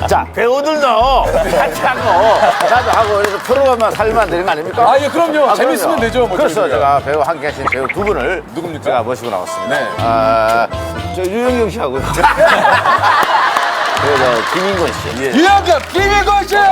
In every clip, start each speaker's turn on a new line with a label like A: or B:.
A: 자, 배우들도 같이 하고 나도 하고 그래서 프로그램만 살면 되는 거 아닙니까?
B: 아, 예, 그럼요. 재밌으면
A: 그럼요.
B: 되죠. 뭐
A: 그래서
B: 저희가.
A: 제가 배우 함께 하신 배우 두 분을
B: 누굽니까?
A: 제가 모시고 나왔습니다.
B: 네.
A: 저 유영경 씨하고요. 그리고 저 김인권 씨. 예.
B: 유영경, 김일권 씨!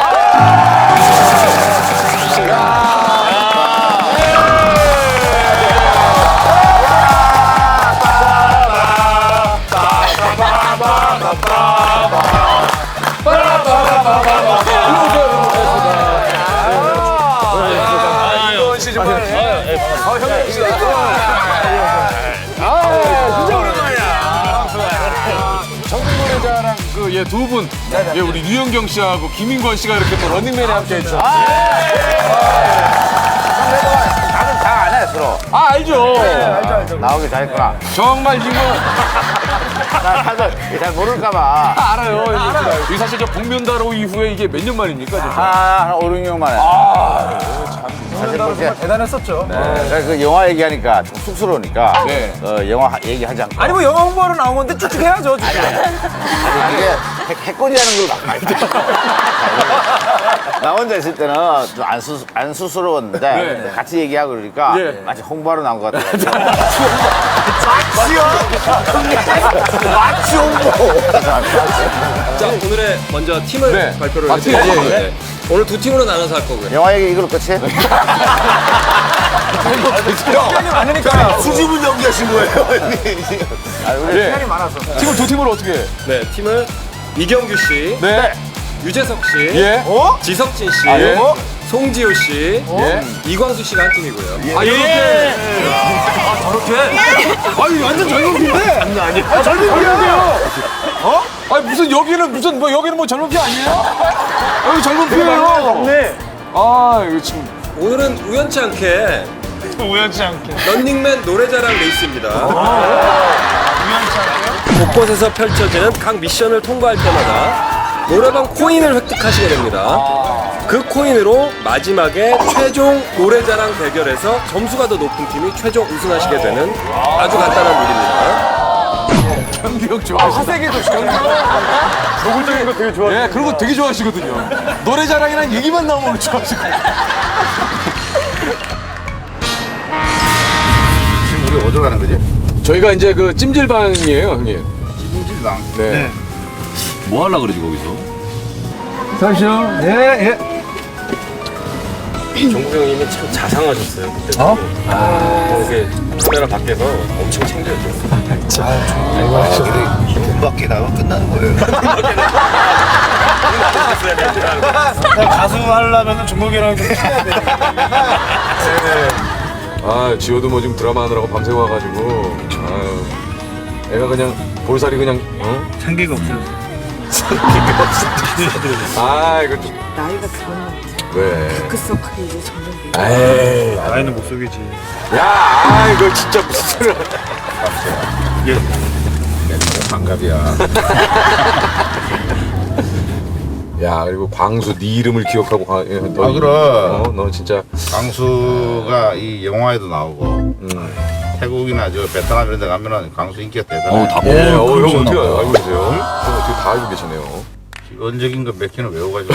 B: 이건 씨 정말. 형님 씨. 진짜 오랜만이야. 정국노래자랑 그 예 두 분, 예 우리 유영경 씨하고 김인권 씨가 이렇게 또 런닝맨에 함께 했죠.
A: 나는 다 안 해, 서로.
B: 아 알죠.
A: 나오기 잘했구나.
B: 정말 이거
A: 나 사실 잘 모를까봐.
B: 알아요. 이 사실 저 복면다로 이후에 이게 몇 년 만입니까? 진짜?
A: 한 5, 6년 만에. 사실 뭐 이제
C: 대단했었죠.
A: 그 영화 얘기하니까 좀 쑥스러우니까
B: 네.
A: 영화 얘기하지 않고.
C: 아니 뭐 영화 홍보하러 나온 건데 쭉쭉 해야죠. 쭉쭉.
A: 이게 해코지하는 걸 많이 나 혼자 있을 때는 좀 안 수스러웠는데
B: 네.
A: 같이 얘기하고 그러니까
B: 네.
A: 마치 홍보하러 나온 것 같아요. 마치 홍보.
D: 자, 오늘의 먼저 팀을
B: 네.
D: 발표를
B: 아,
D: 해드릴게요.
B: 팀, 예, 예.
D: 네. 오늘 두 팀으로 나눠서 할 거고요.
A: 영화 얘기 이걸로 끝이?
C: 시간이 많으니까.
A: 수집은 연기하신 거예요? 우리
B: 시간이 많아서. 팀을 두 팀으로 어떻게 해?
D: 네, 팀을 이경규 씨,
B: 네.
D: 유재석 씨,
B: 예.
D: 지석진 씨,
B: 아, 예.
D: 송지효 씨,
B: 예.
D: 이광수 씨가 한 팀이고요.
B: 아, 이렇게.
C: 아니 완전 젊은 피인데.
B: 아, 젊은 피인데요. 어? 아니, 무슨 여기는 무슨 뭐 여기는 뭐 젊은 피 아니에요? 여기 젊은 피예요.
C: 네.
B: 아, 이거 지금.
D: 오늘은 우연치 않게
C: 우연치 않게.
D: 런닝맨 노래자랑 레이스입니다. 곳곳에서 펼쳐지는 각 미션을 통과할 때마다 노래방 코인을 획득하시게 됩니다. 그 코인으로 마지막에 최종 노래자랑 대결에서 점수가 더 높은 팀이 최종 우승하시게 되는 아주 간단한 룰입니다.
B: 경기력 좋아하시다.
C: 화색에도 경기. 노골적인 거 되게 좋아.
B: 예, 그런 거 되게 좋아하시거든요. 노래 자랑이란 얘기만 나오면 좋아하시고.
A: 지금 우리 어디로 가는 거지?
B: 저희가 이제 그 찜질방이에요, 형님.
A: 찜질방.
B: 네.
E: 뭐 하려고 그러지 거기서?
C: 잠시요. 예.
D: 정국 형님이 참 자상하셨어요 그때. 이렇게 카메라 밖에서 엄청 챙겨줘.
A: 문 밖에 나가면 끝나는 거예요.
C: 가수 하려면 종국이랑 좀 친해야 돼.
B: 아, 지호도 뭐 지금 드라마 하느라고 밤새 와가지고. 아유, 애가 그냥 볼살이 그냥, 어?
C: 참기가 없어요.
B: 아, 이거 좀.
F: 나이가 들었는데
B: 왜?
F: 다크서클이 이제 점점 밀려.
B: 에이.
C: 나이는 못 속이지.
B: 야, 아, 이거 진짜 무슨 소리야.
A: 반갑이야.
B: 야, 그리고 광수 네 이름을 기억하고 너
A: 아, 그럼.
B: 너 진짜
A: 강수가 이 영화에도 나오고 태국이나 저 베트남 이런 데 가면은 강수 인기가 대단해.
E: 다
B: 예, 형 어떻게 알고 계세요? 형 어떻게 다 알고 계시네요.
A: 기본적인 거 몇 개는 외워가지고.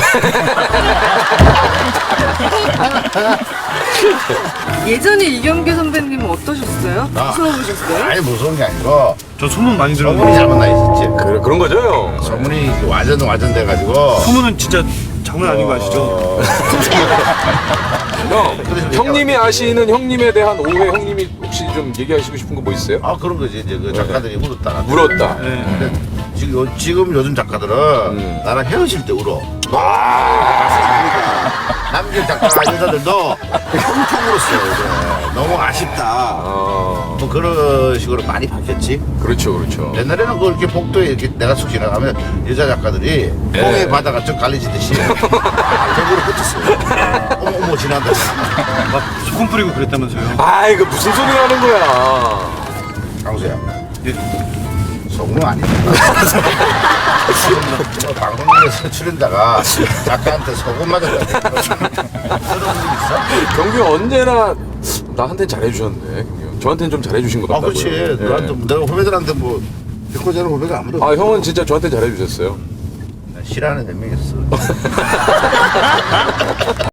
F: 예전에 이경규 선배님은 어떠셨어요?
A: 나?
F: 무서우셨어요?
A: 아니 무서운 게 아니고
C: 저 소문 많이
A: 소문이
C: 들었는데.
A: 잘못 나 있었지.
B: 그런 거죠, 형.
A: 소문이 완전 돼가지고.
C: 소문은 진짜 장난 아닌 거 아시죠?
B: 형님이 아시는 형님에 대한 오해 형님이 혹시 좀 얘기하시고 싶은 거 뭐 있어요?
A: 아 그런 거지 이제 그 작가들이 울었다.
B: 울었다.
A: 근데 지금 요즘 작가들은 나랑 헤어질 때 울어. 남길 작가 여자들도 엄청 울었어요. 이제. 너무 아쉽다. 뭐 그런 식으로 많이 바뀌었지.
B: 그렇죠, 그렇죠.
A: 옛날에는 그 이렇게 복도에 이렇게 내가 쑥 지나가면 여자 작가들이 홍해 바다가 쭉 갈리지듯이 저기로 붙었어요. 어머 지난다.
C: 막 소금 뿌리고 그랬다면서요?
B: 아, 이거 무슨 소리 하는 거야?
A: 강수야.
C: 예.
A: 소금은 아니다. 방송국에서 출연자가 작가한테 소금 맞았다. 그런 적 있어?
B: 경규 언제나 나한테 잘해주셨네. 경규. 저한테는 좀 잘해주신 것
A: 아
B: 같다고요.
A: 그렇지.
B: 예.
A: 너한테 내가 후배들한테 뭐 백호자는 후배가 아무도
B: 아, 형은 진짜 저한테 잘해주셨어요.
A: 싫어하는 몇 명 있어.